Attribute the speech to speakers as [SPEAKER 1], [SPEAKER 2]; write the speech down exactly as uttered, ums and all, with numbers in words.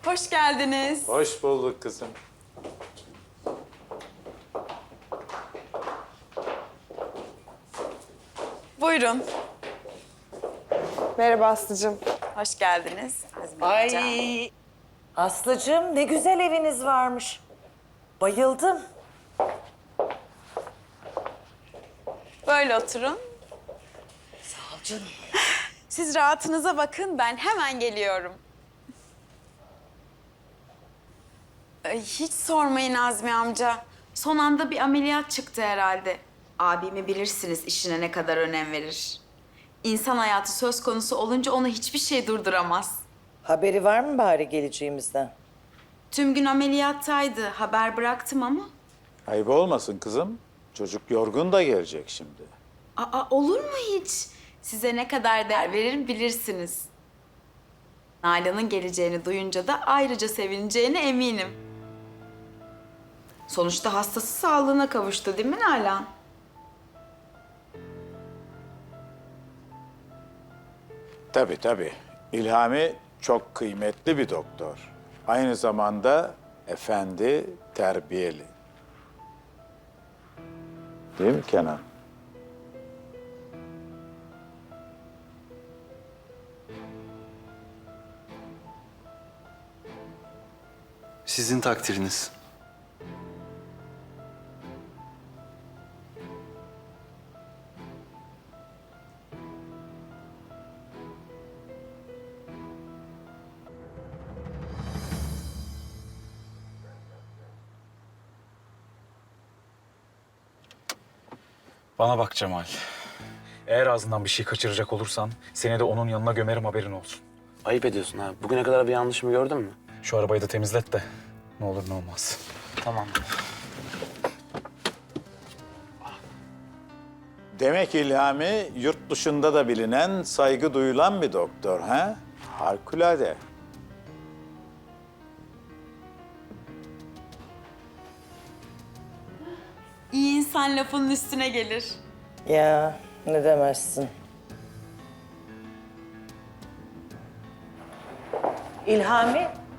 [SPEAKER 1] Hoş geldiniz.
[SPEAKER 2] Hoş bulduk kızım.
[SPEAKER 1] Buyurun.
[SPEAKER 3] Merhaba Aslı'cığım.
[SPEAKER 1] Hoş geldiniz. Azmi Hoca.
[SPEAKER 4] Ay Aslıcığım ne güzel eviniz varmış. Bayıldım.
[SPEAKER 1] Böyle oturun.
[SPEAKER 4] Sağ ol canım.
[SPEAKER 1] Siz rahatınıza bakın, ben hemen geliyorum. Ay, hiç sormayın Azmi amca. Son anda bir ameliyat çıktı herhalde. Abimi bilirsiniz, işine ne kadar önem verir. İnsan hayatı söz konusu olunca onu hiçbir şey durduramaz.
[SPEAKER 4] Haberi var mı bari geleceğimizden?
[SPEAKER 1] Tüm gün ameliyattaydı, haber bıraktım ama.
[SPEAKER 2] Ayıp olmasın kızım. Çocuk yorgun da gelecek şimdi.
[SPEAKER 1] Aa, olur mu hiç? Size ne kadar değer veririm bilirsiniz. Nalan'ın geleceğini duyunca da ayrıca sevineceğine eminim. Sonuçta hastası sağlığına kavuştu değil mi Nalan?
[SPEAKER 2] Tabii tabii. İlhami çok kıymetli bir doktor. Aynı zamanda efendi, terbiyeli. Değil mi Kenan?
[SPEAKER 5] Sizin takdiriniz.
[SPEAKER 6] Bana bak Cemal. Eğer ağzından bir şey kaçıracak olursan seni de onun yanına gömerim, haberin olsun.
[SPEAKER 5] Ayıp ediyorsun ha. Bugüne kadar bir yanlışımı gördün mü?
[SPEAKER 6] Şu arabayı da temizlet de ne olur ne olmaz.
[SPEAKER 5] Tamam.
[SPEAKER 2] Demek İlhami yurt dışında da bilinen, saygı duyulan bir doktor ha? Harikulade.
[SPEAKER 1] İyi insan lafının üstüne gelir.
[SPEAKER 4] Ya ne demezsin. İlhami